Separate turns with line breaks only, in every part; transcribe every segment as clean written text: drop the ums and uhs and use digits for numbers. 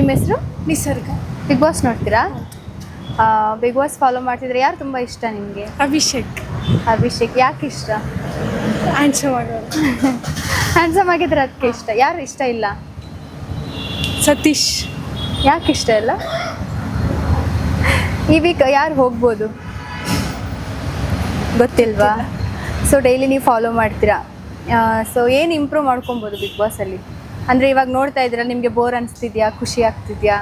ಹೆಸರು?
Nisarga.
Bigg boss ನೋಡ್ತೀರಾ? Bigg Boss follow ಮಾಡ್ತಿದ್ರೆ ಯಾರು ತುಂಬ ಇಷ್ಟ ನಿಮಗೆ?
ಅಭಿಷೇಕ್.
ಅಭಿಷೇಕ್ ಯಾಕೆ ಇಷ್ಟ?
ಹ್ಯಾಂಡ್ಸಮ್ ಆಗೋರು.
ಹ್ಯಾಂಡ್ಸಮ್ ಆಗಿದ್ರೆ ಅದಕ್ಕೆ ಇಷ್ಟ. ಯಾರು ಇಷ್ಟ ಇಲ್ಲ?
ಸತೀಶ್.
ಯಾಕೆ ಇಷ್ಟ ಇಲ್ಲ? ಈ ವೀಕ್ ಯಾರು ಹೋಗ್ಬೋದು ಗೊತ್ತಿಲ್ವಾ? ಸೊ ಡೈಲಿ ನೀವು ಫಾಲೋ ಮಾಡ್ತೀರಾ. ಸೊ ಏನು ಇಂಪ್ರೂವ್ ಮಾಡ್ಕೊಬೋದು ಬಿಗ್ ಬಾಸಲ್ಲಿ? ಅಂದರೆ ಇವಾಗ ನೋಡ್ತಾ ಇದ್ದೀರಾ, ನಿಮಗೆ ಬೋರ್ ಅನಿಸ್ತಿದ್ಯಾ, ಖುಷಿ ಆಗ್ತಿದ್ಯಾ?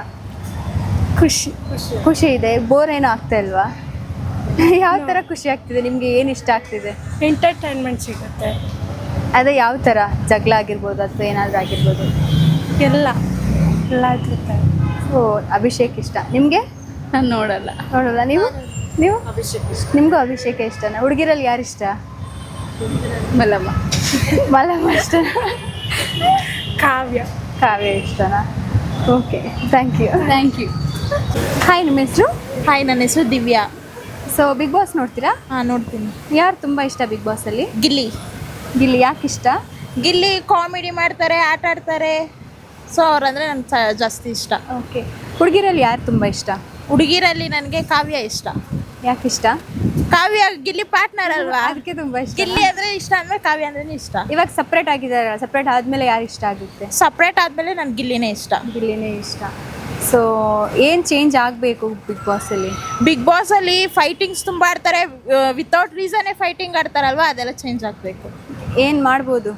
ಖುಷಿ ಇದೆ. ಬೋರ್ ಏನೂ ಆಗ್ತಾ ಇಲ್ವಾ? ಯಾವ ಥರ ಖುಷಿ ಆಗ್ತಿದೆ ನಿಮಗೆ? ಏನು ಇಷ್ಟ ಆಗ್ತಿದೆ?
ಎಂಟರ್ಟೈನ್ಮೆಂಟ್ ಸಿಗುತ್ತೆ.
ಅದೇ ಯಾವ ಥರ? ಜಗಳ ಆಗಿರ್ಬೋದು ಅಥವಾ ಏನಾದರೂ ಆಗಿರ್ಬೋದು?
ಎಲ್ಲ ಇರುತ್ತೆ.
ಸೊ ಅಭಿಷೇಕ್ ಇಷ್ಟ ನಿಮಗೆ?
ನಾನು ನೋಡಲ್ಲ.
ನೀವು
ಅಭಿಷೇಕ್ ಇಷ್ಟ.
ನಿಮಗೂ ಅಭಿಷೇಕ ಇಷ್ಟನಾ? ಹುಡುಗಿರಲ್ಲಿ ಯಾರು ಇಷ್ಟ?
ಮಲ್ಲಮ್ಮ.
ಮಲ್ಲಮ್ಮ ಇಷ್ಟ. ಕಾವ್ಯ ಇಷ್ಟನಾ? Okay, thank you. ಹಾಯ್, ನಿಮ್ಮ ಹೆಸರು?
ಹಾಯ್, ನನ್ನ ಹೆಸರು ದಿವ್ಯಾ.
ಸೊ ಬಿಗ್ ಬಾಸ್ ನೋಡ್ತೀರಾ?
ಹಾಂ, ನೋಡ್ತೀನಿ.
ಯಾರು ತುಂಬ ಇಷ್ಟ ಬಿಗ್ ಬಾಸಲ್ಲಿ?
ಗಿಲ್ಲಿ
ಯಾಕೆ ಇಷ್ಟ?
ಗಿಲ್ಲಿ ಕಾಮಿಡಿ ಮಾಡ್ತಾರೆ, ಆಟ ಆಡ್ತಾರೆ. ಸೊ ಅವ್ರಂದರೆ ನನಗೆ ಜಾಸ್ತಿ ಇಷ್ಟ.
ಓಕೆ. ಹುಡುಗಿರಲ್ಲಿ ಯಾರು ತುಂಬ ಇಷ್ಟ?
ಹುಡುಗಿರಲ್ಲಿ ನನಗೆ ಕಾವ್ಯ ಇಷ್ಟ.
ಯಾಕೆ ಇಷ್ಟ?
ಕಾವ್ಯ ಗಿಲ್ಲಿ ಪಾರ್ಟ್ನರ್ ಅಲ್ವಾ,
ಅದಕ್ಕೆ ತುಂಬ ಇಷ್ಟ.
ಗಿಲ್ಲಿ ಅಂದರೆ ಇಷ್ಟ ಅಂದರೆ ಕಾವ್ಯ ಅಂದ್ರೆ ಇಷ್ಟ.
ಇವಾಗ ಸಪ್ರೇಟ್ ಆಗಿದ್ದಾರೆ. ಸಪ್ರೇಟ್ ಆದಮೇಲೆ ಯಾರು ಇಷ್ಟ ಆಗುತ್ತೆ?
ಸಪ್ರೇಟ್ ಆದಮೇಲೆ ನನಗೆ ಗಿಲ್ಲಿನೇ ಇಷ್ಟ.
ಗಿಲ್ಲಿನೇ ಇಷ್ಟ. ಸೊ ಏನು ಚೇಂಜ್ ಆಗಬೇಕು ಬಿಗ್ ಬಾಸಲ್ಲಿ?
ಬಿಗ್ ಬಾಸಲ್ಲಿ ಫೈಟಿಂಗ್ಸ್ ತುಂಬ ಆಡ್ತಾರೆ, ವಿತೌಟ್ ರೀಸನ್ನೇ ಫೈಟಿಂಗ್ ಆಡ್ತಾರಲ್ವ, ಅದೆಲ್ಲ ಚೇಂಜ್ ಆಗಬೇಕು.
ಏನು ಮಾಡ್ಬೋದು?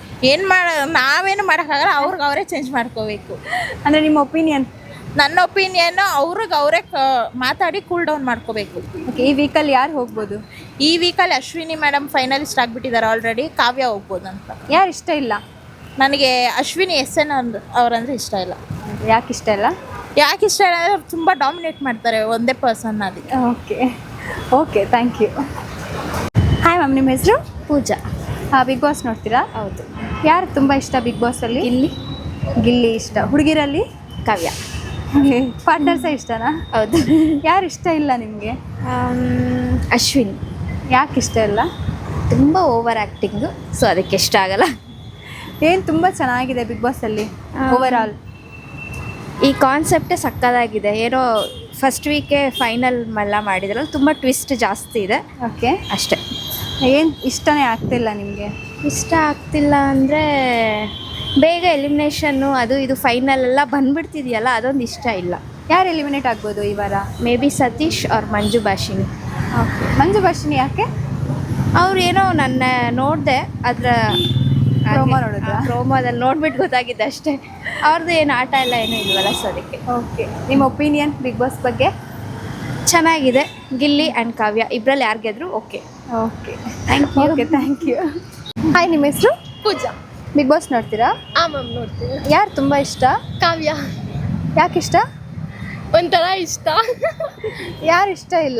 ನಾವೇನು ಮಾಡೋಕ್ಕಾಗಲ್ಲ, ಅವರೇ ಚೇಂಜ್ ಮಾಡ್ಕೋಬೇಕು.
ಅಂದರೆ ನಿಮ್ಮ ಒಪಿನಿಯನ್?
ನನ್ನ ಒಪಿನಿಯನ್ ಅವರೇ ಮಾತಾಡಿ ಕೂಲ್ ಡೌನ್ ಮಾಡ್ಕೋಬೇಕು.
ಓಕೆ. ಈ ವೀಕಲ್ಲಿ ಯಾರು ಹೋಗ್ಬೋದು?
ಈ ವೀಕಲ್ಲಿ ಅಶ್ವಿನಿ ಮೇಡಮ್ ಫೈನಲಿಸ್ಟ್ ಆಗಿಬಿಟ್ಟಿದ್ದಾರೆ ಆಲ್ರೆಡಿ. ಕಾವ್ಯ ಹೋಗ್ಬೋದು ಅಂತ.
ಯಾರು ಇಷ್ಟ ಇಲ್ಲ?
ನನಗೆ ಅಶ್ವಿನಿ SN ಅವರಂದ್ರೆ ಇಷ್ಟ ಇಲ್ಲ.
ಯಾಕೆ ಇಷ್ಟ ಇಲ್ಲ?
ಯಾಕೆ ಇಷ್ಟ ಇಲ್ಲ ಅಂದರೆ ತುಂಬ ಡಾಮಿನೇಟ್ ಮಾಡ್ತಾರೆ ಒಂದೇ ಪರ್ಸನ್. ಅದಕ್ಕೆ.
Okay, thank you. Hi ma'am, ನಿಮ್ಮ ಹೆಸರು?
ಪೂಜಾ.
ಬಿಗ್ ಬಾಸ್ ನೋಡ್ತೀರಾ?
ಹೌದು.
ಯಾರು ತುಂಬ ಇಷ್ಟ ಬಿಗ್ ಬಾಸಲ್ಲಿ? ಗಿಲ್ಲಿ ಇಷ್ಟ. ಹುಡುಗಿರಲ್ಲಿ?
ಕಾವ್ಯ.
ಪಾರ್ಟ್ನರ್ಸೇ ಇಷ್ಟನಾ?
ಹೌದು.
ಯಾರು ಇಷ್ಟ ಇಲ್ಲ ನಿಮಗೆ?
ಅಶ್ವಿನಿ.
ಯಾಕೆ ಇಷ್ಟ ಇಲ್ಲ?
ತುಂಬ ಓವರ್ ಆ್ಯಕ್ಟಿಂಗು, ಸೊ ಅದಕ್ಕೆ ಇಷ್ಟ ಆಗಲ್ಲ.
ಏನು ತುಂಬ ಚೆನ್ನಾಗಿದೆ ಬಿಗ್ ಬಾಸಲ್ಲಿ ಓವರ್ ಆಲ್?
ಈ ಕಾನ್ಸೆಪ್ಟೇ ಸಕ್ಕದಾಗಿದೆ. ಏನೋ ಫಸ್ಟ್ ವೀಕೆ ಫೈನಲ್ ಎಲ್ಲ ಮಾಡಿದ್ರಲ್ಲ, ತುಂಬ ಟ್ವಿಸ್ಟ್ ಜಾಸ್ತಿ ಇದೆ.
ಓಕೆ,
ಅಷ್ಟೇ.
ಏನು ಇಷ್ಟನೇ ಆಗ್ತಿಲ್ಲ ನಿಮಗೆ?
ಇಷ್ಟ ಆಗ್ತಿಲ್ಲ ಅಂದರೆ ಬೇಗ ಎಲಿಮಿನೇಷನ್ನು, ಅದು ಇದು ಫೈನಲ್ ಎಲ್ಲ ಬಂದ್ಬಿಡ್ತಿದೆಯಲ್ಲ, ಅದೊಂದು ಇಷ್ಟ ಇಲ್ಲ.
ಯಾರು ಎಲಿಮಿನೇಟ್ ಆಗ್ಬೋದು ಈ ವಾರ?
ಮೇ ಬಿ ಸತೀಶ್ ಅವ್ರ ಮಂಜು ಭಾಷಿಣಿ.
ಓಕೆ. ಮಂಜು ಭಾಷಿಣಿ ಯಾಕೆ?
ಅವ್ರು ಏನೋ ನನ್ನ ನೋಡಿದೆ, ಅದರ
ಪ್ರೋಮೋ ನೋಡಿದ್ರಾ?
ಪ್ರೋಮೋದಲ್ಲಿ ನೋಡ್ಬಿಟ್ಟು ಗೊತ್ತಾಗಿದೆ ಅಷ್ಟೇ. ಅವ್ರದ್ದು ಏನು ಆಟ ಎಲ್ಲ ಏನೂ ಇಲ್ವಲ್ಲ, ಸೊ ಅದಕ್ಕೆ.
ಓಕೆ. ನಿಮ್ಮ ಒಪಿನಿಯನ್ ಬಿಗ್ ಬಾಸ್ ಬಗ್ಗೆ?
ಚೆನ್ನಾಗಿದೆ. ಗಿಲ್ಲಿ ಆ್ಯಂಡ್ ಕಾವ್ಯ ಇಬ್ಬರಲ್ಲಿ ಯಾರು ಗೆದ್ರು ಓಕೆ.
Thank you. ಹಾಯ್, ನಿಮ್ಮ ಹೆಸರು?
ಪೂಜಾ.
ಬಿಗ್ ಬಾಸ್ ನೋಡ್ತೀರಾ?
ಹಾಂ ಮ್ಯಾಮ್, ನೋಡ್ತೀನಿ.
ಯಾರು ತುಂಬ ಇಷ್ಟ?
ಕಾವ್ಯ.
ಯಾಕೆ ಇಷ್ಟ?
ಒಂಥರ ಇಷ್ಟ.
ಯಾರು ಇಷ್ಟ ಇಲ್ಲ?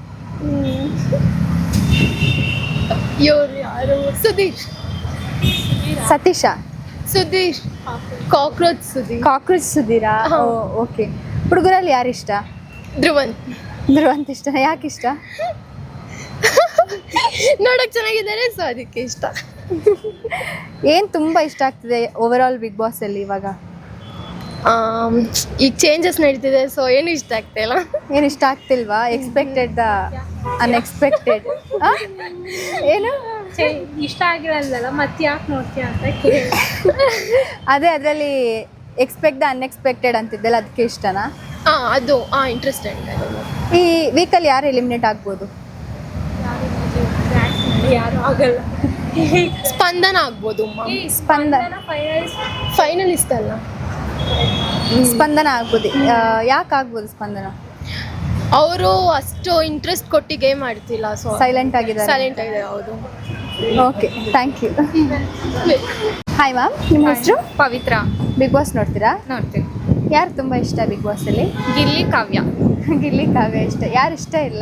ಯಾರು?
ಸತೀಶ.
ಸುಧೀರ್. ಕಾಕ್ರೋಚ್
ಸುಧೀರಾ? ಓಕೆ. ಹುಡುಗರಲ್ಲಿ ಯಾರು ಇಷ್ಟ? ಧ್ರುವಂತ್ ಇಷ್ಟ. ಯಾಕೆ ಇಷ್ಟ?
ನೋಡಕ್ ಚೆನ್ನಾಗಿದ್ದಾರೆ, ಸೊ ಅದಕ್ಕೆ ಇಷ್ಟ.
ಏನು ತುಂಬ ಇಷ್ಟ ಆಗ್ತಿದೆ ಓವರ್ ಆಲ್ ಬಿಗ್ ಬಾಸಲ್ಲಿ ಇವಾಗ?
ಈಗ ಚೇಂಜಸ್ ನಡೀತಿದೆ, ಸೊ ಏನು ಇಷ್ಟ ಆಗ್ತಾ ಇಲ್ಲ.
ಏನು ಇಷ್ಟ ಆಗ್ತಿಲ್ವಾ? Expected the unexpected. ಏನು
ಇಷ್ಟ ಆಗಿರಲ್ಲ, ಮತ್ತೆ ಯಾಕೆ ನೋಡ್ತೀಯ ಅಂತ ಕೇಳಿ.
ಅದೇ ಅದರಲ್ಲಿ ಎಕ್ಸ್ಪೆಕ್ಟ್ ದ ಅನ್ಎಕ್ಸ್ಪೆಕ್ಟೆಡ್ ಅಂತಿದ್ದೆಲ್ಲ, ಅದಕ್ಕೆ ಇಷ್ಟನಾ?
ಅದು ಇಂಟ್ರೆಸ್ಟೆಡ್.
ಈ ವೀಕಲ್ಲಿ ಯಾರು ಎಲಿಮಿನೇಟ್ ಆಗ್ಬೋದು?
ಯಾರು ಆಗಲ್ಲ. ಸ್ಪಂದನ ಆಗ್ಬೋದು. ಫೈನಲಿಸ್ಟ್ ಅಲ್ಲ,
ಸ್ಪಂದನ ಆಗ್ಬೋದು. ಯಾಕೆ ಆಗ್ಬೋದು ಸ್ಪಂದನ?
ಅವರು ಅಷ್ಟು ಇಂಟ್ರೆಸ್ಟ್ ಕೊಟ್ಟು ಗೇಮ್ ಆಡ್ತಿಲ್ಲ, ಸೊ
ಸೈಲೆಂಟ್ ಆಗಿದೆ.
ಹೌದು.
Okay, thank you. Hi ma'am, ನಿಮ್ಮ ಹೆಸರು?
ಪವಿತ್ರ.
ಬಿಗ್ ಬಾಸ್ ನೋಡ್ತೀರಾ?
ನೋಡ್ತೀವಿ.
ಯಾರು ತುಂಬ ಇಷ್ಟ ಬಿಗ್ ಬಾಸಲ್ಲಿ?
ಗಿಲ್ಲಿ, ಕಾವ್ಯ.
ಗಿಲ್ಲಿ, ಕಾವ್ಯ ಇಷ್ಟ. ಯಾರು ಇಷ್ಟ ಇಲ್ಲ?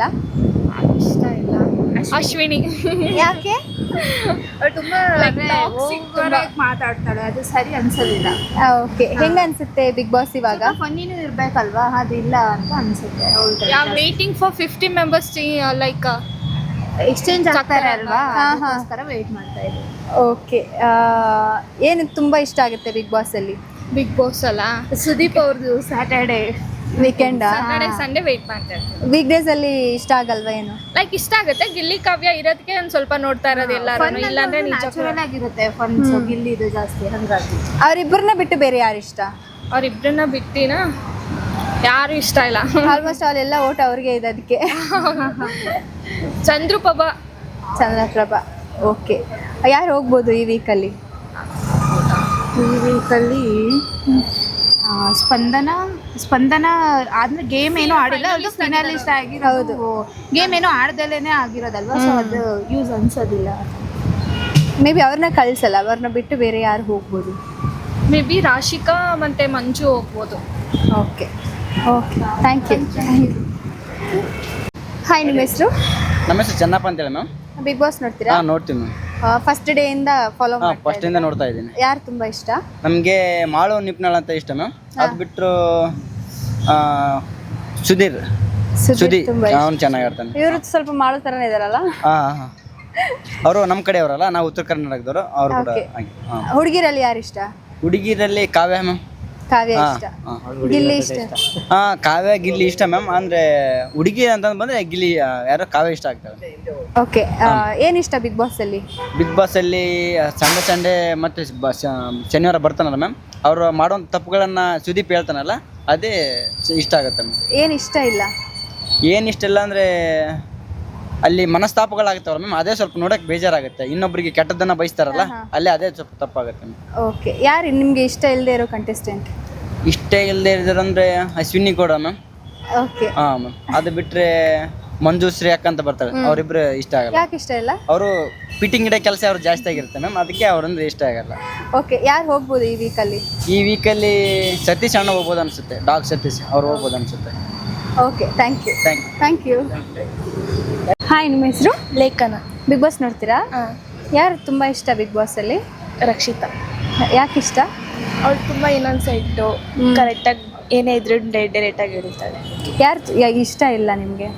ಅಶ್ವಿನಿ.
ಯಾಕೆ?
ತುಂಬ ಮಾತಾಡ್ತಾಳೆ, ಅದು ಸರಿ ಅನ್ಸೋದಿಲ್ಲ.
ಓಕೆ. ಹೆಂಗೆ ಅನ್ಸುತ್ತೆ ಬಿಗ್ ಬಾಸ್ ಇವಾಗ?
ಫನ್ನಿನೂ ಇರಬೇಕಲ್ವಾ, ಅದಿಲ್ಲ ಅಂತ ಅನ್ಸುತ್ತೆ.
Waiting for 50 members like
exchange ಆಗ್ತಾರೆ ಅಲ್ವಾ,
ಹಾಂ,
ಅದಕ್ಕೋಸ್ಕರ ವೇಟ್ ಮಾಡ್ತಾ ಇದ್ದೀವಿ.
ಓಕೆ. ಏನು ತುಂಬ ಇಷ್ಟ ಆಗುತ್ತೆ ಬಿಗ್ ಬಾಸಲ್ಲಿ?
ಬಿಗ್ ಬಾಸ್ ಅಲ್ಲ, ಸುದೀಪ್ ಅವ್ರದ್ದು ಸ್ಯಾಟರ್ಡೆ
ವೀಕೆಂಡ್
ಸಂಡೇ ವೆಯ್ಟ್ ಮಾಡ್ತಾ ಇರ್ತೀನಿ.
ವೀಕ್ ಡೇಸ್ ಅಲ್ಲಿ ಇಷ್ಟ ಆಗಲ್ವಾ ಏನು?
ಲೈಕ್ ಇಷ್ಟ ಆಗುತ್ತೆ, ಗಿಲ್ಲಿ ಕಾವ್ಯ ಇರೋದಕ್ಕೆ ಒಂದು ಸ್ವಲ್ಪ ನೋಡ್ತಾ ಇರೋದು ಎಲ್ಲರೂ, ಇಲ್ಲಾಂದ್ರೆ
ನ್ಯಾಚುರಲ್ ಆಗಿರುತ್ತೆ ಫನ್. ಗಿಲ್ಲಿ ಇದು ಜಾಸ್ತಿ ಹಂಗಾಗಿ
ಅವ್ರಿಬ್ಬರನ್ನ ಬಿಟ್ಟು ಬೇರೆ ಯಾರು ಇಷ್ಟ?
ಅವ್ರಿಬ್ರನ್ನ ಬಿಟ್ಟಿನ ಯಾರು ಇಷ್ಟ ಇಲ್ಲ.
ಆಲ್ಮೋಸ್ಟ್ ಅಲ್ಲೆಲ್ಲ ಓಟ್ ಅವ್ರಿಗೆ ಇದೆ ಅದಕ್ಕೆ.
ಚಂದ್ರಪ್ರಭಾ.
ಚಂದ್ರಪ್ರಭಾ. ಓಕೆ, ಯಾರು ಹೋಗ್ಬೋದು ಈ ವೀಕಲ್ಲಿ?
ಈ ವೀಕಲ್ಲಿ ಸ್ಪಂದನ ಆದ್ರೆ ಗೇಮ್ ಏನೂ ಆಡಿಲ್ಲ, ಅದು ಫಿನಾಲಿಸ್ಟ್ ಆಗಿರೋದು. ಗೇಮ್ ಏನೂ ಆಡ್ದಲೇನೆ ಆಗಿರೋದಲ್ವಾ, ಸೊ ಅದು ಯೂಸ್ ಅನ್ಸೋದಿಲ್ಲ.
ಮೇ ಬಿ ಅವ್ರನ್ನ ಕಳ್ಸಲ್ಲ, ಅವ್ರನ್ನ ಬಿಟ್ಟು ಬೇರೆ ಯಾರು ಹೋಗ್ಬೋದು?
ಮೇ ಬಿ ರಾಶಿಕಾ ಮತ್ತೆ ಮಂಜು ಹೋಗ್ಬೋದು.
Okay okay, thank you. Hi, ನಿಮ್ಮ ಹೆಸರು?
ನಮ್ಮ ಹೆಸರು ಚೆನ್ನಪ್ಪ ಅಂತೇಳಿ ಮ್ಯಾಮ್.
ಬಿಗ್ ಬಾಸ್ ನೋಡ್ತೀರಾ?
ಹಾಂ, ನೋಡ್ತೀವಿ ಮ್ಯಾಮ್.
ಫಸ್ಟ್ ಡೇ ಇಂದ ಫಾಲೋ
ಹಾಂ, ಫಸ್ಟಿಂದ ನೋಡ್ತಾ ಇದ್ದೀನಿ.
ಯಾರು ತುಂಬಾ ಇಷ್ಟ?
ನಮಗೆ ಮಾಳು ನಿಪ್ನಾಳ್ ಅಂತ ಇಷ್ಟ ಮ್ಯಾಮ್. ಅದು ಬಿಟ್ಟರು ಸುಧೀರ್
ತುಂಬಾ
ಅವನು ಚೆನ್ನಾಗಿ ಆಡ್ತಾನೆ.
ಇವರು ಸ್ವಲ್ಪ ಮಾಡೋ ಥರನೇ ಇದಾರಲ್ಲ.
ಹಾಂ ಹಾಂ, ಅವರು ನಮ್ಮ ಕಡೆಯವರಲ್ಲ, ನಾವು ಉತ್ತರ ಕರ್ನಾಟಕದವರು. ಅವರು ಕೂಡ
Okay.
ಹಾಗೆ. ಹಾಂ,
ಹುಡುಗಿರಲ್ಲಿ ಯಾರು ಇಷ್ಟ?
ಹುಡುಗಿರಲ್ಲಿ ಕಾವ್ಯ ಮ್ಯಾಮ್.
ಕಾವ್ಯ ಇಷ್ಟ, ಗಿಲ್ಲಿ ಇಷ್ಟ.
ಹಾಂ, ಕಾವ್ಯ ಗಿಲ್ಲಿ ಇಷ್ಟ ಮ್ಯಾಮ್. ಅಂದರೆ ಹುಡುಗಿ ಅಂತಂದು ಬಂದರೆ ಗಿಲ್ಲಿ ಯಾರೋ ಕಾವ್ಯ ಇಷ್ಟ ಆಗ್ತಾರೆ.
ಓಕೆ, ಏನ್ ಇಷ್ಟ ಬಿಗ್ ಬಾಸ್ ಅಲ್ಲಿ?
ಬಿಗ್ ಬಾಸಲ್ಲಿ ಸಂಡೇ ಮತ್ತು ಶನಿವಾರ ಬರ್ತಾನಲ್ಲ ಮ್ಯಾಮ್, ಅವರು ಮಾಡೋಂಥ ತಪ್ಪುಗಳನ್ನು ಸುದೀಪ್ ಹೇಳ್ತಾನಲ್ಲ, ಅದೇ ಇಷ್ಟ ಆಗುತ್ತೆ ಮ್ಯಾಮ್.
ಏನ್ ಇಷ್ಟ ಇಲ್ಲ?
ಏನು ಇಷ್ಟ ಇಲ್ಲ ಅಂದರೆ ಅಲ್ಲಿ ಮನಸ್ತಾಪಗಳಾಗ್ತಾವಲ್ಲ ಮ್ಯಾಮ್, ಅದೇ ಸ್ವಲ್ಪ ನೋಡೋಕೆ ಬೇಜಾರಾಗುತ್ತೆ. ಇನ್ನೊಬ್ಬರಿಗೆ ಕೆಟ್ಟದ್ದನ್ನು ಬಯಸ್ತಾರಲ್ಲ, ಅಲ್ಲೇ ಅದೇ ಸ್ವಲ್ಪ ತಪ್ಪಾಗುತ್ತೆ ಮ್ಯಾಮ್.
ಓಕೆ, ಯಾರು ನಿಮ್ಗೆ ಇಷ್ಟ ಇಲ್ಲದೆ ಇರೋ ಕಂಟೆಸ್ಟೆಂಟ್?
ಇಷ್ಟ ಇಲ್ಲದೆ ಇರೋದಂದ್ರೆ ಅಶ್ವಿನಿ ಗೌಡ ಮ್ಯಾಮ್.
ಓಕೆ,
ಹಾಂ ಮ್ಯಾಮ್. ಅದು ಬಿಟ್ಟರೆ ಮಂಜು ಶ್ರೀ ಅಕ್ಕ ಅಂತ ಬರ್ತಾಳೆ, ಅವರಿಬ್ಬರು ಇಷ್ಟ ಆಗಲ್ಲ.
ಯಾಕೆ ಇಷ್ಟ ಇಲ್ಲ?
ಅವರು ಫಿಟ್ಟಿಂಗ್ ಇಡೋ ಕೆಲಸ ಅವ್ರು ಜಾಸ್ತಿ ಆಗಿರುತ್ತೆ ಮ್ಯಾಮ್, ಅದಕ್ಕೆ ಅವ್ರಂದ್ರೆ ಇಷ್ಟ ಆಗಲ್ಲ.
ಓಕೆ, ಯಾರು ಹೋಗ್ಬೋದು ಈ ವೀಕಲ್ಲಿ?
ಈ ವೀಕಲ್ಲಿ ಸತೀಶ್ ಅಣ್ಣ ಹೋಗ್ಬೋದು ಅನಿಸುತ್ತೆ, ಡಾಗ್ ಸತೀಶ್ ಅವ್ರು ಹೋಗ್ಬೋದು ಅನಿಸುತ್ತೆ.
Okay, thank you.
Thank you.
Hi, ನಿಮ್ಮ ಹೆಸರು?
ಲೇಖನ.
ಬಿಗ್ ಬಾಸ್ ನೋಡ್ತೀರಾ? ಯಾರು ತುಂಬಾ ಇಷ್ಟ ಬಿಗ್ ಬಾಸ್ ಅಲ್ಲಿ?
ರಕ್ಷಿತಾ.
ಯಾಕೆ ಇಷ್ಟ?
ಅವಳು ತುಂಬ ಇನ್ನೊಂದು ಸೈಟು ಕರೆಕ್ಟಾಗಿ ಏನೇ ಇದ್ರು ಡೈರೆಕ್ಟಾಗಿ ಹೇಳ್ತಾಳೆ.
ಯಾರು ಇಷ್ಟ ಇಲ್ಲ ನಿಮಗೆ?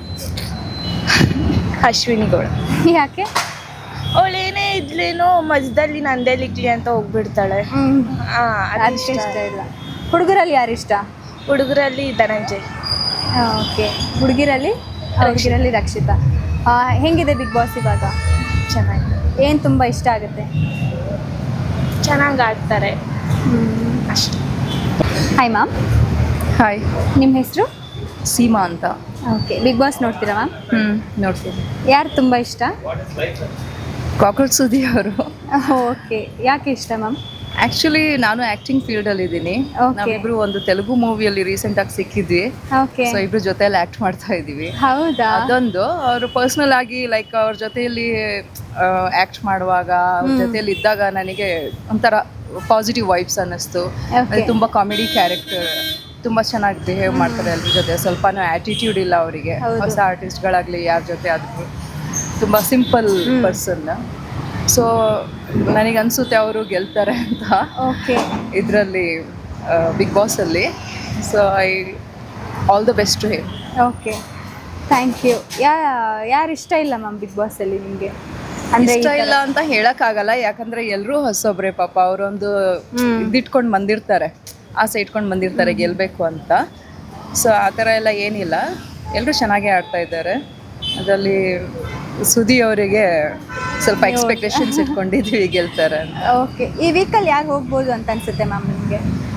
ಅಶ್ವಿನಿ ಗೌಡ.
ಯಾಕೆ?
ಅವಳೇನೇ ಇದ್ಲೇನೋ ಮಧ್ಯದಲ್ಲಿ ನಂದೇಲಿಕ್ಲಿ ಅಂತ ಹೋಗ್ಬಿಡ್ತಾಳೆ.
ಅದಕ್ಕೆ ಇಷ್ಟ ಇಲ್ಲ. ಹುಡುಗರಲ್ಲಿ ಯಾರು ಇಷ್ಟ?
ಹುಡುಗರಲ್ಲಿ ಧನಂಜಯ್.
ಓಕೆ, ಹುಡುಗಿರಲ್ಲಿ ರಕ್ಷಿತಾ. ಹೆಂಗಿದೆ ಬಿಗ್ ಬಾಸ್ ಇವಾಗ?
ಚೆನ್ನಾಗಿದೆ.
ಏನು ತುಂಬ ಇಷ್ಟ ಆಗುತ್ತೆ?
ಚೆನ್ನಾಗಿ ಆಡ್ತಾರೆ ಅಷ್ಟೇ.
Hi ma'am.
ಹಾಯ್,
ನಿಮ್ಮ ಹೆಸರು?
ಸೀಮಾ ಅಂತ.
ಓಕೆ, ಬಿಗ್ ಬಾಸ್ ನೋಡ್ತೀರಾ ಮ್ಯಾಮ್?
ನೋಡ್ತೀನಿ.
ಯಾರು ತುಂಬ ಇಷ್ಟ?
ಕಾಕ್ರೋಚ್ ಸುದಿ ಅವರು.
ಓಕೆ, ಯಾಕೆ ಇಷ್ಟ ಮ್ಯಾಮ್?
ಆ್ಯಕ್ಚುಲಿ ನಾನು ಆ್ಯಕ್ಟಿಂಗ್ ಫೀಲ್ಡಲ್ಲಿ ಇದ್ದೀನಿ.
Okay.
ನಾವಿಬ್ರು ಒಂದು ತೆಲುಗು ಮೂವಿಯಲ್ಲಿ ರೀಸೆಂಟಾಗಿ ಸಿಕ್ಕಿದ್ವಿ.
ಓಕೆ,
ಸೊ ಇಬ್ರು ಜೊತೆಯಲ್ಲಿ ಆ್ಯಕ್ಟ್ ಮಾಡ್ತಾ ಇದ್ದೀವಿ.
ಹೌದಾ?
ಅದೊಂದು ಅವರು ಪರ್ಸ್ನಲ್ ಆಗಿ ಲೈಕ್ ಅವ್ರ ಜೊತೆಯಲ್ಲಿ ಆ್ಯಕ್ಟ್ ಮಾಡುವಾಗ, ಅವ್ರ ಜೊತೆಯಲ್ಲಿ ಇದ್ದಾಗ ನನಗೆ ಒಂಥರ ಪಾಸಿಟಿವ್ ವೈಬ್ಸ್ ಅನ್ನಿಸ್ತು.
Okay.
ತುಂಬ ಕಾಮಿಡಿ ಕ್ಯಾರೆಕ್ಟರ್, ತುಂಬ ಚೆನ್ನಾಗಿ ಬಿಹೇವ್ ಮಾಡ್ತಾರೆ ಅದ್ರ ಜೊತೆ. ಸ್ವಲ್ಪನೂ ಆ್ಯಟಿಟ್ಯೂಡ್ ಇಲ್ಲ ಅವರಿಗೆ.
ಹೌದು.
ಹೊಸ ಆರ್ಟಿಸ್ಟ್ಗಳಾಗಲಿ ಯಾರ ಜೊತೆ ಆದರೂ ತುಂಬ ಸಿಂಪಲ್ ಪರ್ಸನ್. ಸೊ ನನಗನ್ಸುತ್ತೆ ಅವರು ಗೆಲ್ತಾರೆ ಅಂತ
ಓಕೆ,
ಇದರಲ್ಲಿ ಬಿಗ್ ಬಾಸಲ್ಲಿ. So I all the best to him.
Okay, thank you. ಯಾರು ಇಷ್ಟ ಇಲ್ಲ ಮ್ಯಾಮ್ ಬಿಗ್ ಬಾಸಲ್ಲಿ ನಿಮಗೆ? ಅಂದರೆ
ಇಷ್ಟ ಇಲ್ಲ ಅಂತ ಹೇಳಕ್ಕಾಗಲ್ಲ, ಯಾಕಂದ್ರೆ ಎಲ್ಲರೂ ಹೊಸೊಬ್ರೆ ಪಾಪ. ಅವರೊಂದು ಇದಿಟ್ಕೊಂಡು ಬಂದಿರ್ತಾರೆ, ಆಸೆ ಇಟ್ಕೊಂಡು ಬಂದಿರ್ತಾರೆ ಗೆಲ್ಲಬೇಕು ಅಂತ. ಸೊ ಆ ಥರ ಎಲ್ಲ ಏನಿಲ್ಲ, ಎಲ್ಲರೂ ಚೆನ್ನಾಗೇ ಆಡ್ತಾ ಇದ್ದಾರೆ. ಅದರಲ್ಲಿ ಸುದಿ ಅವರಿಗೆ ಸ್ವಲ್ಪ ಎಕ್ಸ್ಪೆಕ್ಟೇಷನ್ಸ್ ಇಟ್ಕೊಂಡಿದ್ವಿ ಗೆಲ್ತಾರೆ ಅಂತ.
ಓಕೆ, ಈ ವೀಕಲ್ಲಿ ಯಾರು ಹೋಗ್ಬೋದು ಅಂತ ಅನ್ಸುತ್ತೆ ಮ್ಯಾಮ್ ನಿಮಗೆ?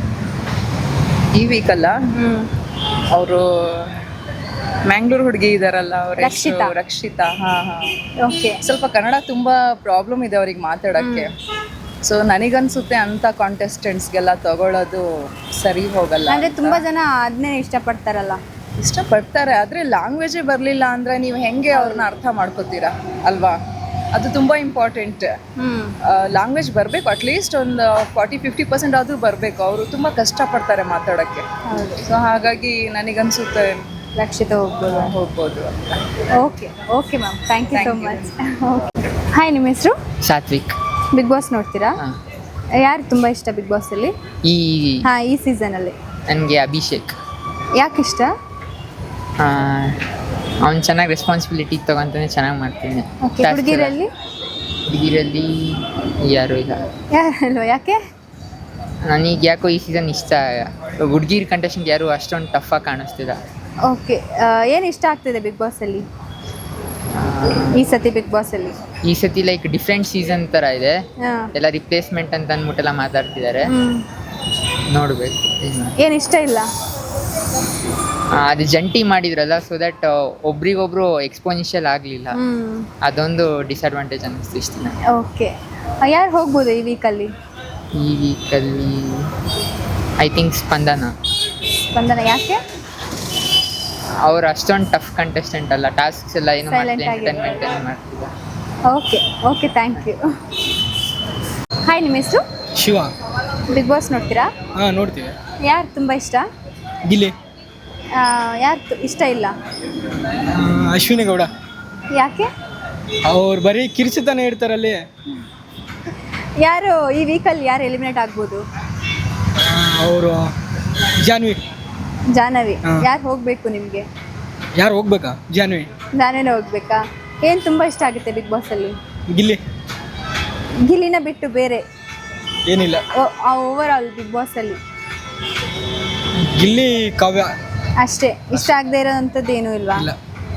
ಈ ವೀಕಲ್ಲ, ಅವರು ಮ್ಯಾಂಗ್ಳೂರ್ ಹುಡುಗಿ ಇದಾರಲ್ಲ, ಅವ್ರ
ರಕ್ಷಿತಾ.
ರಕ್ಷಿತಾ. ಹಾಂ.
ಓಕೆ,
ಸ್ವಲ್ಪ ಕನ್ನಡ ತುಂಬ ಪ್ರಾಬ್ಲಮ್ ಇದೆ ಅವ್ರಿಗೆ ಮಾತಾಡೋಕ್ಕೆ. ಸೊ ನನಗನ್ಸುತ್ತೆ ಅಂಥ ಕಾಂಟೆಸ್ಟೆಂಟ್ಸ್ಗೆಲ್ಲ ತಗೊಳ್ಳೋದು ಸರಿ ಹೋಗಲ್ಲ.
ಅಂದರೆ ತುಂಬ ಜನ ಅದನ್ನೇ ಇಷ್ಟಪಡ್ತಾರಲ್ಲ.
ಇಷ್ಟಪಡ್ತಾರೆ, ಆದರೆ ಲ್ಯಾಂಗ್ವೇಜೇ ಬರಲಿಲ್ಲ ಅಂದರೆ ನೀವು ಹೆಂಗೆ ಅವ್ರನ್ನ ಅರ್ಥ ಮಾಡ್ಕೋತೀರಾ ಅಲ್ವಾ? ಅದು ತುಂಬ ಇಂಪಾರ್ಟೆಂಟ್. ಲ್ಯಾಂಗ್ವೇಜ್ ಬರಬೇಕು, ಅಟ್ಲೀಸ್ಟ್ ಒಂದು 40-50% ಆದರೂ ಬರಬೇಕು. ಅವರು ತುಂಬ ಕಷ್ಟಪಡ್ತಾರೆ ಮಾತಾಡೋಕ್ಕೆ. ಸೊ ಹಾಗಾಗಿ ನನಗನ್ಸುತ್ತೆ
ರಕ್ಷಿತಾ
ಹೋಗ್ಬೋದು ಅಂತ.
Okay, okay ma'am, thank you so much. Hi, ನಿಮ್ಮ ಹೆಸರು?
ಸಾತ್ವಿಕ್.
ಬಿಗ್ ಬಾಸ್ ನೋಡ್ತೀರಾ? ಯಾರು ತುಂಬ ಇಷ್ಟ ಬಿಗ್ ಬಾಸಲ್ಲಿ? ಈ ಸೀಸನಲ್ಲಿ
ನನಗೆ ಅಭಿಷೇಕ್.
ಯಾಕೆ ಇಷ್ಟ?
ಅವ್ನು ಚೆನ್ನಾಗಿ ರೆಸ್ಪಾನ್ಸಿಬಿಲಿಟಿ ತೊಗೊತಾನೆ, ಚೆನ್ನಾಗಿ ಮಾಡ್ತೀನಿ.
ಓಕೆ, ಹುಡುಗಿರಲ್ಲಿ
ಹುಡುಗಿರಲ್ಲಿ ಯಾರು ಇಲ್ಲ.
ಯಾರಲ್ವ? ಯಾಕೆ?
ನನಗೆ ಯಾಕೋ ಈ ಸೀಸನ್ ಇಷ್ಟ. ಹುಡುಗಿರ್ ಕಂಟೆಸ್ಟೆಂಟ್ ಯಾರು ಅಷ್ಟೊಂದು ಟಫಾಗಿ ಕಾಣಿಸ್ತಿಲ್ಲ.
ಓಕೆ, ಏನು ಇಷ್ಟ ಆಗ್ತಿದೆ ಬಿಗ್ ಬಾಸಲ್ಲಿ ಈ ಸತಿ ಬಿಗ್ ಬಾಸಲ್ಲಿ?
ಈ ಸತಿ ಲೈಕ್ ಡಿಫ್ರೆಂಟ್ ಸೀಸನ್ ಥರ ಇದೆ.
ಹಾಂ.
ಎಲ್ಲ ರಿಪ್ಲೇಸ್ಮೆಂಟ್ ಅಂತ ಅಂದ್ಬಿಟ್ಟೆಲ್ಲ ಮಾತಾಡ್ತಿದ್ದಾರೆ. ನೋಡಬೇಕು.
ಏನು ಇಷ್ಟ ಇಲ್ಲ?
ಅದು ಜಂಟಿ ಮಾಡಿದ್ರಲ್ಲ, ಸೊ ದಟ್ ಒಬ್ರಿಗೊಬ್ರು ಎಕ್ಸ್ಪೋನೆನ್ಷಿಯಲ್ ಆಗಲಿಲ್ಲ. ಅದೊಂದು ಡಿಸ್ಅಡ್ವಾಂಟೇಜ್ ಅನ್ನಿಸ್ತು ಇಷ್ಟ ದಿನ.
ಓಕೆ, ಯಾರು ಹೋಗ್ಬೋದು ಈ ವೀಕಲ್ಲಿ?
ಈ ವೀಕಲ್ಲಿ ಐ ಥಿಂಕ್ ಸ್ಪಂದನ.
ಯಾಕೆ?
ಅವ್ರು ಅಷ್ಟೊಂದು ಟಫ್ ಕಂಟೆಸ್ಟೆಂಟ್ ಅಲ್ಲ, ಟಾಸ್ಕ್ಸ್ ಎಲ್ಲ ಏನು
Silent
ಮಾಡ್ತಿಲ್ಲ,
ಆಗಿ.
ಎಂಟರ್ಟೈನ್ಮೆಂಟ್ ಮಾಡ್ತಿದ್ದಾರೆ.
Okay, thank you. ಹಾಯ್, ನಿಮ್ಮ ಹೆಸರು?
ಶಿವ.
ಬಿಗ್ ಬಾಸ್ ನೋಡ್ತೀರಾ?
ಹಾಂ, ನೋಡ್ತೀವಿ.
ಯಾರು ತುಂಬ ಇಷ್ಟ?
ಗಿಲ್ಲಿ.
ಯಾರು ಇಷ್ಟ ಇಲ್ಲ?
ಅಶ್ವಿನಿ ಗೌಡ.
ಯಾಕೆ?
ಅವ್ರು ಬರೀ ಕಿರ್ಚಿತಾನೆ ಇರ್ತಾರಲ್ಲಿ.
ಯಾರು ಈ ವೀಕಲ್ಲಿ ಯಾರು ಎಲಿಮಿನೇಟ್ ಆಗ್ಬೋದು?
ಅವರು ಜಾನ್ವಿ.
ಜಾಹ್ನವಿ.
ಹಾ.
ಯಾರು ಹೋಗಬೇಕು ನಿಮಗೆ?
ಯಾರು ಹೋಗ್ಬೇಕಾ? ಜಾನ್ವಿ.
ನಾನೇನೇ ಹೋಗ್ಬೇಕಾ? ಏನು ತುಂಬ ಇಷ್ಟ ಆಗುತ್ತೆ ಬಿಗ್ ಬಾಸಲ್ಲಿ?
ಗಿಲ್ಲಿ.
ಗಿಲ್ಲಿನ ಬಿಟ್ಟು ಬೇರೆ
ಏನಿಲ್ಲ.
ಓವರ್ ಆಲ್ ಬಿಗ್ ಬಾಸಲ್ಲಿ
ಗಿಲ್ಲಿ, ಕಾವ್ಯ.
ಅಷ್ಟೇ ಇಷ್ಟ ಆಗದೆ ಇರೋವಂಥದ್ದು ಏನೂ ಇಲ್ವಾ?
ಇಲ್ಲ.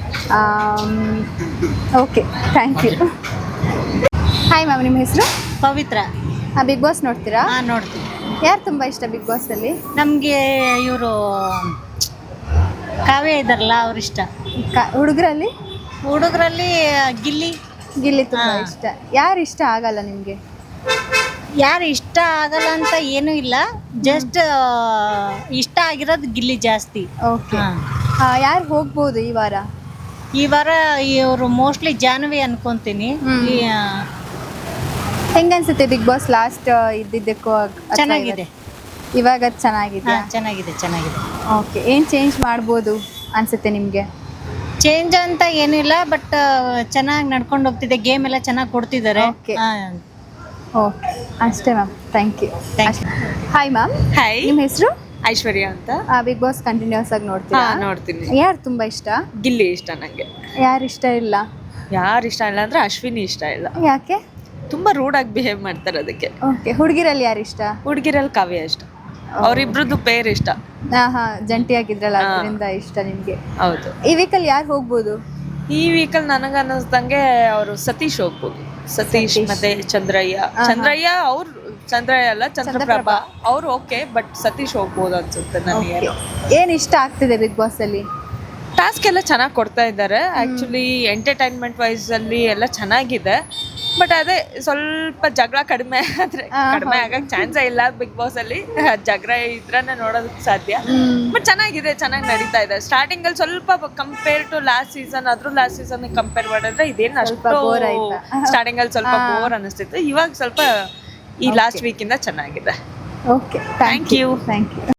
Okay, thank you. Hi ma'am, ನಿಮ್ಮ ಹೆಸರು?
ಪವಿತ್ರ.
ಬಿಗ್ ಬಾಸ್ ನೋಡ್ತೀರಾ?
ನೋಡ್ತೀವಿ.
ಯಾರು ತುಂಬ ಇಷ್ಟ ಬಿಗ್ ಬಾಸಲ್ಲಿ?
ನಮಗೆ ಇವರು ಕಾವ್ಯ ಇದ್ದಾರಲ್ಲ ಅವ್ರು ಇಷ್ಟ.
ಹುಡುಗರಲ್ಲಿ?
ಹುಡುಗರಲ್ಲಿ ಗಿಲ್ಲಿ.
ಗಿಲ್ಲಿ ತುಂಬ ಇಷ್ಟ. ಯಾರು ಇಷ್ಟ ಆಗಲ್ಲ ನಿಮಗೆ?
ಯಾರು ಇಷ್ಟ ಆಗಲ್ಲ ಅಂತ ಏನೂ ಇಲ್ಲ, ಜಸ್ಟ್ ಇಷ್ಟ ಆಗಿರೋದು ಗಿಲ್ಲಿ ಜಾಸ್ತಿ.
ಓಕೆ, ಯಾರು ಹೋಗ್ಬೋದು ಈ ವಾರ?
ಈ ವಾರ ಇವರು ಮೋಸ್ಟ್ಲಿ ಜಾಹ್ನವಿ ಅನ್ಕೊಂತೀನಿ.
ಹೆಂಗನ್ಸುತ್ತೆ ಬಿಗ್ ಬಾಸ್ ಲಾಸ್ಟ್ ಇದ್ದಿದ್ದಕ್ಕೂ
ಚೆನ್ನಾಗಿದೆ.
ಇವಾಗ ಚೆನ್ನಾಗಿದೆ.
ಚೆನ್ನಾಗಿದೆ.
ಓಕೆ, ಏನು ಚೇಂಜ್ ಮಾಡ್ಬೋದು ಅನ್ಸುತ್ತೆ ನಿಮಗೆ?
ಚೇಂಜ್ ಅಂತ ಏನಿಲ್ಲ, ಬಟ್ ಚೆನ್ನಾಗಿ ನಡ್ಕೊಂಡು ಹೋಗ್ತಿದೆ. ಗೇಮ್ ಎಲ್ಲ ಚೆನ್ನಾಗಿ ಕೊಡ್ತಿದ್ದಾರೆ.
Okay. ಓಕೆ, ಅಷ್ಟೇ ma'am. Thank you.
Thank you.
Hi ma'am.
Hi,
ನಿಮ್ಮ ಹೆಸರು?
ಐಶ್ವರ್ಯ ಅಂತ.
ಬಿಗ್ ಬಾಸ್ ಕಂಟಿನ್ಯೂಸ್ ಆಗಿ ನೋಡ್ತೀರಾ?
ನೋಡ್ತೀನಿ.
ಯಾರು ತುಂಬ ಇಷ್ಟ?
ಗಿಲ್ಲಿ ಇಷ್ಟ ನನಗೆ.
ಯಾರು ಇಷ್ಟ ಇಲ್ಲ?
ಯಾರು ಇಷ್ಟ ಇಲ್ಲ ಅಂದ್ರೆ ಅಶ್ವಿನಿ ಇಷ್ಟ ಇಲ್ಲ.
ಯಾಕೆ?
ತುಂಬಾ ರೂಡ್ ಆಗಿ ಬಿಹೇವ್ ಮಾಡ್ತಾರೆ ಅದಕ್ಕೆ.
ಓಕೆ, ಹುಡುಗಿರಲ್ಲಿ ಯಾರು ಇಷ್ಟ?
ಹುಡುಗಿರಲ್ಲಿ ಕಾವ್ಯ ಇಷ್ಟ. ಅವರಿಬ್ರದ್ದು ಪೇರ್ ಇಷ್ಟ.
ಜಂಟಿಯಾಗಿದ್ರಲ್ಲ ಅದರಿಂದ ಇಷ್ಟ ನಿಮಗೆ?
ಹೌದು.
ಈ ವೀಕಲ್ಲಿ ಯಾರು ಹೋಗ್ಬೋದು?
ಈ ವೀಕಲ್ ನನಗೆ ಅನ್ನಿಸ್ದಂಗೆ ಅವರು ಸತೀಶ್ ಹೋಗ್ಬೋದು. ಸತೀಶ್ ಮತ್ತೆ ಚಂದ್ರಯ್ಯ ಅವ್ರು ಚಂದ್ರಯ್ಯ ಅಲ್ಲ, ಚಂದ್ರಪ್ರಭಾ ಅವ್ರು ಓಕೆ, ಬಟ್ ಸತೀಶ್ ಹೋಗ್ಬೋದು ಅನ್ಸುತ್ತೆ ನನಗೆ.
ಏನು ಇಷ್ಟ ಆಗ್ತಿದೆ ಬಿಗ್ ಬಾಸ್ ಅಲ್ಲಿ?
ಟಾಸ್ಕ್ ಎಲ್ಲ ಚೆನ್ನಾಗಿ ಕೊಡ್ತಾ ಇದ್ದಾರೆ. ಆಕ್ಚುಲಿ ಎಂಟರ್ಟೈನ್ಮೆಂಟ್ ವೈಸ್ ಅಲ್ಲಿ ಎಲ್ಲ ಚೆನ್ನಾಗಿದೆ, ಬಟ್ ಅದೇ ಸ್ವಲ್ಪ ಜಗಳ ಕಡಿಮೆ ಆಗಕ್ಕೆ ಚಾನ್ಸೇ ಇಲ್ಲ ಬಿಗ್ ಬಾಸ್ ಅಲ್ಲಿ. ಜಗಳ ಇದ್ರನ್ನ ನೋಡೋದಕ್ಕೆ ಸಾಧ್ಯ, ಬಟ್ ಚೆನ್ನಾಗಿದೆ, ಚೆನ್ನಾಗಿ ನಡೀತಾ ಇದೆ. ಸ್ಟಾರ್ಟಿಂಗ್ ಅಲ್ಲಿ ಸ್ವಲ್ಪ compare to last season compare ಮಾಡಿದ್ರೆ ಇದೇನು ಅಷ್ಟು ಸ್ಟಾರ್ಟಿಂಗ್ ಅಲ್ಲಿ ಸ್ವಲ್ಪ ಬೋರ್ ಅನಿಸ್ತಿತ್ತು. ಇವಾಗ ಸ್ವಲ್ಪ ಈ ಲಾಸ್ಟ್ ವೀಕ್ ಇಂದ ಚೆನ್ನಾಗಿದೆ.
Okay,
thank you.